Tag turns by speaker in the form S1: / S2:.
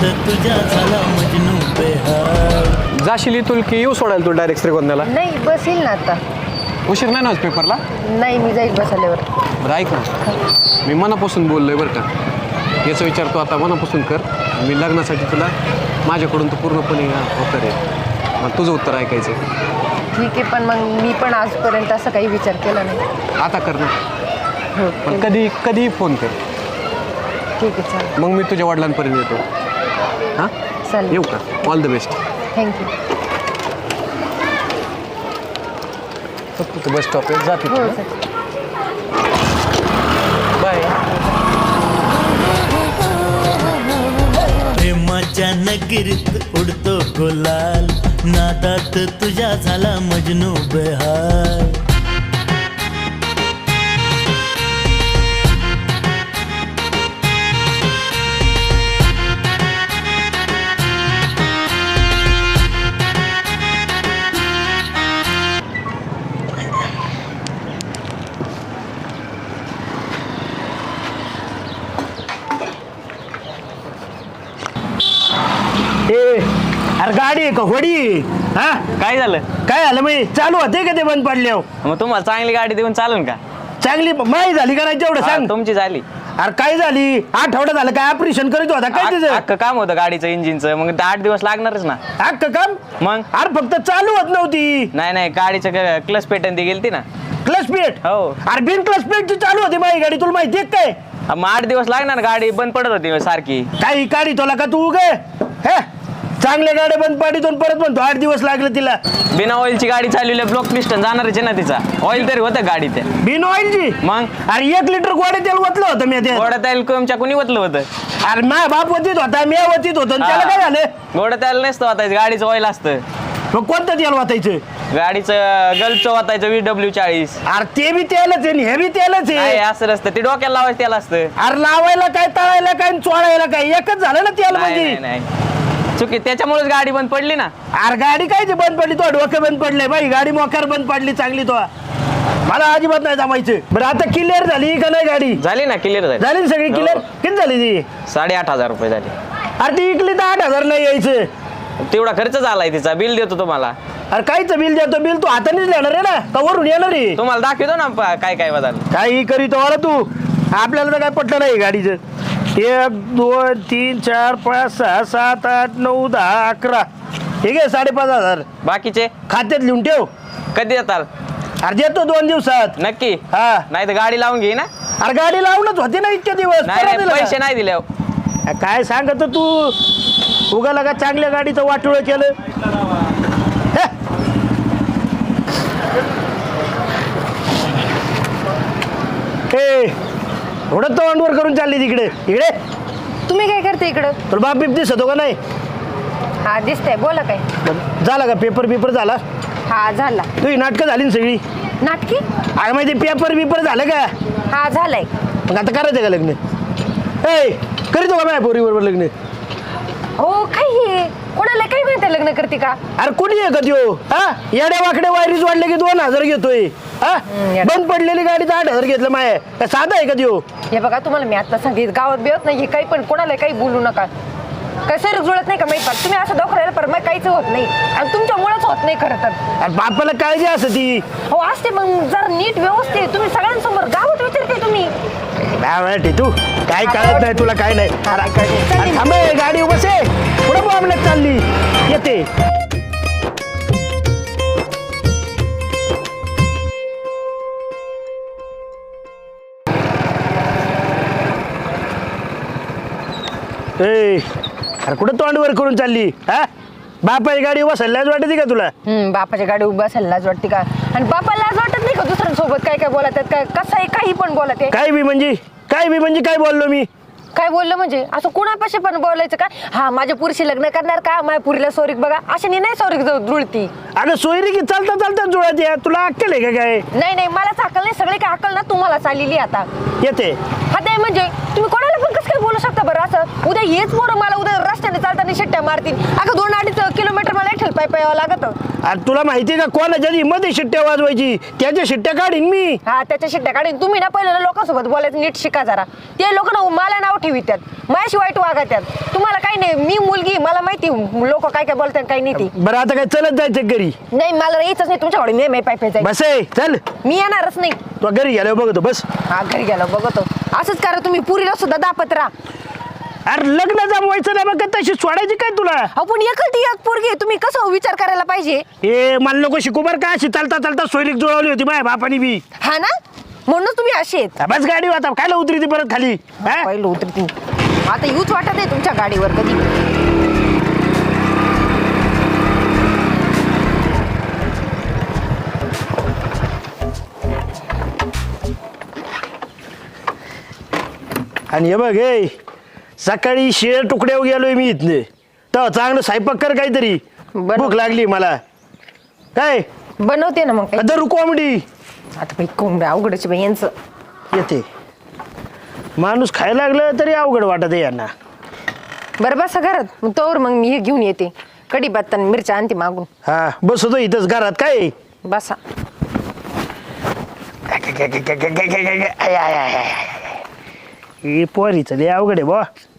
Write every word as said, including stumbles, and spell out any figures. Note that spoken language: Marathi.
S1: नादात तुझ्या झाला मजनू बेहाल.
S2: जाशील इथून की येऊ सोडायला तू डायरेक्ट श्रीगोंद्याला?
S3: नाही बस येईल ना आता.
S2: उशीर नाही ना आज पेपरला?
S3: नाही मी जाईल बस आल्यावर.
S2: बरं ऐक ना, मी मनापासून बोललोय बरं का. याचा विचार तू आता मनापासून कर. मी लग्नासाठी तुला माझ्याकडून तू पूर्णपणे होकार आहे. मग तुझं उत्तर ऐकायचं.
S3: ठीक आहे, पण मग मी पण आजपर्यंत असं काही विचार केला नाही.
S2: आता कर ना.
S3: हो
S2: पण कधी कधीही फोन कर.
S3: ठीक आहे चालेल.
S2: मग मी तुझ्या वडिलांपर्यंत येतो. हां
S3: चालेल.
S2: येऊ का? All the best.
S3: थँक्यू.
S2: फक्त बस स्टॉप आहे, जाते
S3: हो सर.
S2: बाय.
S1: प्रेमाच्या नगरीत उडतो गुलाल, नादात तुझ्या झाला मजनू बेहाल.
S4: अरे गाडी आहे का होडी? हा
S5: काय झालं?
S4: काय झालं मी चालू होते का ते बंद पडले?
S5: मग तुम्हाला चांगली गाडी देऊन चालून का?
S4: चांगली माही झाली का नाही तेवढं
S5: हा,
S4: सांग.
S5: तुमची झाली.
S4: अरे काय झाली? आठवडा झालं काय ऑपरेशन करीत होता काय तिचं?
S5: अख्खं काम होतं गाडीचं इंजिनचं, मग आठ दिवस लागणारच ना.
S4: अख्खं काम?
S5: मग
S4: अरे फक्त चालू होत नव्हती.
S5: नाही नाही गाडीचं क्लच पेटन ती गेलती ना.
S4: Clutch plate?
S5: हो.
S4: अरे बिन क्लच प्लेटची चालू होती माझी गाडी, तुला माहिती आहे काय?
S5: मग आठ दिवस लागणार, गाडी बंद पडत होती सारखी.
S4: काही गाडी तुला का तू गे हे चांगल्या गाड्या बंद पाडीतून परत म्हणतो आठ दिवस लागले तिला.
S5: बिना ऑइलची गाडी चालवली, ब्लॉक पिस्टन जाणारच आहे ना तिचा. ऑइल तरी होतं गाडी ते.
S4: बिन ऑइलची?
S5: मग
S4: अरे एक लिटर गोडे तेल ओतलं होतं मी ते.
S5: गोडा तेल तुमच्या कुणी ओतलं होतं?
S4: अरे माझा बाप वतीत होता, मी वतीत होतो आणि त्याला काय झालं?
S5: गोडा तेल नसतं वाटायचं, गाडीचं ऑइल असतं.
S4: मग कोणतं तेल वाटायचं?
S5: गाडीचं गल्फचं वाटायचं वी डब्ल्यू चाळीस.
S4: अरे ते बी तेलच आहे आणि हे बी तेलच
S5: नाही
S4: आहे.
S5: असं नसतं, ते डोक्याला लावायचं तेल असतं.
S4: अरे लावायला काय, तळायला काय, चोळायला काय, एकच झालं ना तेल
S5: नाही
S4: म्हणजे.
S5: नाही, नाही चुकी, त्याच्यामुळेच गाडी बंद पडली ना.
S4: अरे गाडी काय ती बंद पडली? तो डोकं बंद पडले बाई, गाडी मोकार बंद पडली चांगली. तो मला अजिबात नाही जमायचं. बरं आता क्लिअर झाली का नाही गाडी?
S5: झाली ना, क्लिअर झाली.
S4: झाली ना सगळी
S5: हो.
S4: क्लिअर? किती झाली ती?
S5: साडेआठ हजार रुपये झाले.
S4: अरे ती इकली तर आठ हजार नाही यायचं.
S5: तेवढा खर्च झालाय तिचा, बिल देतो तुम्हाला.
S4: अरे कायचं बिल देतो? बिल तू हातानेच येणार आहे ना का वरून येणार आहे?
S5: तुम्हाला दाखवतो ना प- काय काय बदल.
S4: काही करीतो वाला तू. आपल्याला तर काय पटलं नाही गाडीचं. एक दोन तीन चार पाच सहा सात आठ नऊ दहा अकरा, ठीक आहे साडेपाच हजार
S5: बाकीचे
S4: खात्यात लिहून ठेव.
S5: कधी येताल?
S4: अरे देतो दोन दिवसात.
S5: नक्की?
S4: हा.
S5: नाही तर गाडी लावून घे ना.
S4: अरे गाडी लावूनच होती ना इतके दिवस.
S5: नाही
S4: परत
S5: नाही,
S4: दिलं का?
S5: पैसे नाही दिले.
S4: अ, काय सांगत तू? उगाला का चांगल्या गाडीचं वाटोळ केलं? हे? ए, एवढं तोंडवर करून चालली तिकडे इकडे.
S3: तुम्ही काय करते इकडं?
S4: तुला बाप बीप दिसतो का नाही?
S3: हा दिसतंय, बोला काय.
S4: झाला का पेपर बिपर झाला?
S3: हा झाला.
S4: तुझी नाटकं झाली ना सगळी?
S3: नाटकी?
S4: अरे माहिती पेपर बिपर झालं का?
S3: हा झालाय.
S4: मग आता करायचं का लग्न? ए करीतो का माझ्या पोरीबरोबर लग्न?
S3: हो काय हे? कोणाला काय माहिती लग्न करते का?
S4: अरे कुणी आहे का त्यो? हा येड्या वाकड्या वायरीज वाढले की दोन हजार घेतोय. हा
S3: येडा.
S4: बंद पडलेली गाडी तर आठ हजार घेतलं माय. का साधा आहे का त्यो?
S3: हे बघा तुम्हाला मी आता सांगित गावात बिवत नाही, हे काही पण कोणाला काही बोलू नका. काय सर जुळत नाही का माहिती पाठ? तुम्ही असं दाखवायला पर मग काहीच होत नाही आणि तुमच्यामुळेच होत नाही खरं तर.
S4: अरे बापाला काळजी असं ती.
S3: हो असते, मग जर नीट व्यवस्थित तुम्ही सगळ्यांसमोर गावात विचारते तुम्ही.
S4: काय तू काय कळत नाही तुला? काय नाही. अरे, अरे, थांब ए, गाडी बस आहे पुढे प्रॉब्लेम चालली येते. ए अरे कुठं तोंडवर करून चालली? हा बापाची गाडी बसायलाच वाटते का तुला?
S3: हम्म बापाच्या गाडी उभा असेल लाज वाटते का? आणि बापाला लाज वाटत नाही का दुसऱ्यांसोबत काय काय बोलत आहेत? काय कसं आहे, काही पण बोलत आहे.
S4: काय बी म्हणजे काय बी म्हणजे काय बोललो मी?
S3: काय बोललं म्हणजे असं कुणापाशी पण बोलायचं का? हा माझ्या पुरीशी लग्न करणार का? माझ्या पुरीला सोरीक बघा, अशाने नाही सोरीक जुळती.
S4: अगं सोयरी की चालता चालता जुळत या. तुला अक्कल आहे का काय?
S3: नाही नाही मलाच अक्कल नाही, सगळे काय अक्कल ना तुम्हाला चाललेली आता
S4: येते.
S3: हा ते म्हणजे तुम्ही कोणाला पण कसं काय बोलू शकता बरं असं? उद्या हेच पोरं मला उद्या रस्त्याने चालताना शिट्ट्या मारतील. अगं दोन अडीच किलोमीटर मला एकठेल पाय पाय यावं लागत.
S4: आणि तुला माहिती का कोणाच्या मध्ये शिट्ट्या वाजवायची त्याच्या शिट्ट्या काढीन मी.
S3: हा त्याच्या शिट्ट्या काढून तुम्ही ना पहिलं ना लोकांसोबत बोलायचं नीट शिका जरा. ते लोक ना मला नाव ठेवित्यात, माझ्याशी वाईट वागत्यात. तुम्हाला काही नाही, मी मुलगी, मला माहिती लोक काय काय बोलतात काही नाही. ती
S4: बरं आता काय चलत जायचं घरी?
S3: नाही मला यायचंच नाही तुमच्याकडे, मी पाय पाय जायचं.
S4: बस आहे चल,
S3: मी येणारच नाही.
S4: तू घरी गेल्यावर बघतो बस.
S3: हा घरी गेलो बघतो. असंच करा तुम्ही, पुरीला सुद्धा दापत राहा.
S4: अरे लग्न जमवायचं नाही मग तशी सोडायची काय तुला?
S3: आपण एकटी एक पोरगी आहे, तुम्ही कसं विचार करायला पाहिजे.
S4: ए मला नको शिकू बरं का, अशी चालता चालता सोयरीक जुळवली होती माझ्या बापानी बी.
S3: हा ना, म्हणून तुम्ही असे आहेत.
S4: हा, बस गाडी आता खायला उतरी ती परत खाली. हा?
S3: पहिलं उतरती आता यूच वाटत आहे तुमच्या गाडीवर कधी.
S4: आणि हे बघ हे सकाळी शिळे तुकड्यावर गेलोय मी इथले, तर चांगलं स्वयंपाक कर काहीतरी,
S3: बरं.
S4: भूक लागली मला. काय
S3: बनवते ना मग काही.
S4: दरू कोंबडी
S3: आता बाई कोंबड्या अवघडच बाई यांचं.
S4: येते. माणूस खायला लागलं तरी अवघड वाटत आहे यांना.
S3: बरं बसा घरात, मग तोवर मग मी हे घेऊन येते कढी पत्ता आणि मिरच्या आणते मागून.
S4: हा बसतो इथंच घरात. काय
S3: बसा.
S4: हे पोरीचं लय अवघड आहे बा.